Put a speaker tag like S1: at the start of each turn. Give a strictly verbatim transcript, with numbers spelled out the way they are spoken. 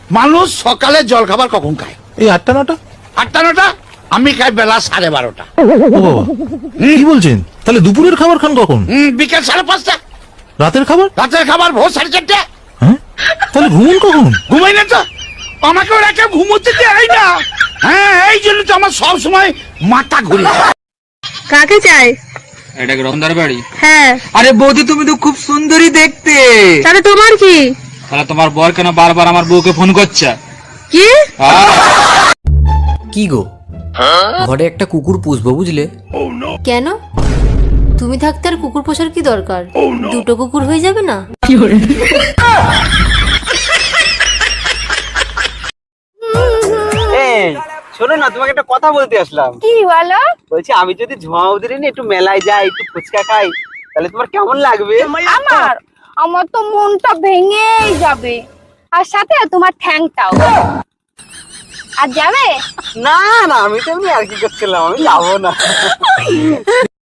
S1: মানুষ সকালে জল খাবার কখন খায়?
S2: এই আটটা নটা।
S1: আটটা নটা? আমি খাই বেলা সাড়ে বারোটা।
S2: ও বাবা, কি বলছেন? তাহলে দুপুরের খাবার খান কখন?
S1: হুম, বিকেল সাড়ে পাঁচটা।
S2: রাতের খাবার?
S1: রাতের খাবার ভোর সাড়ে চারটে।
S2: হ্যাঁ, তাহলে ঘুমুন কখন?
S1: ঘুমাই না তো, আমাকে ওরা কেউ ঘুমোতে দেয় না। হ্যাঁ, এই জন্য তো আমার সব সময় মাথা ঘুরে।
S3: কাকে চাই?
S4: এটা কি রতনদার বাড়ি?
S3: হ্যাঁ।
S4: আরে বৌদি, তুমি তো খুব সুন্দরী দেখতে।
S3: তাহলে তোমার কি?
S4: তাহলে তোমার বর কেন বারবার আমার বউকে ফোন করছে?
S3: কি?
S5: কি গো, ঘরে একটা কুকুর পুষবো বুঝলে?
S6: কেন? তুমি থাকতে আর কুকুর পোষার কি দরকার? দুটো কুকুর হয়ে যাবে না?
S7: শোনো না, তোমাকে একটা কথা বলতে আসলাম।
S3: কি বলো?
S7: বলছি, আমি যদি ঝুমা ওদের নিয়ে একটু মেলায় যাই, একটু ফুচকা খাই, তাহলে তোমার কেমন লাগবে?
S3: আমার আমার তো মনটা ভেঙেই যাবে, আর সাথে তোমার ঠ্যাংটাও। আর যাবে?
S7: না না, আমি তো এমনি আর কি করছিলাম, আমি যাবো না।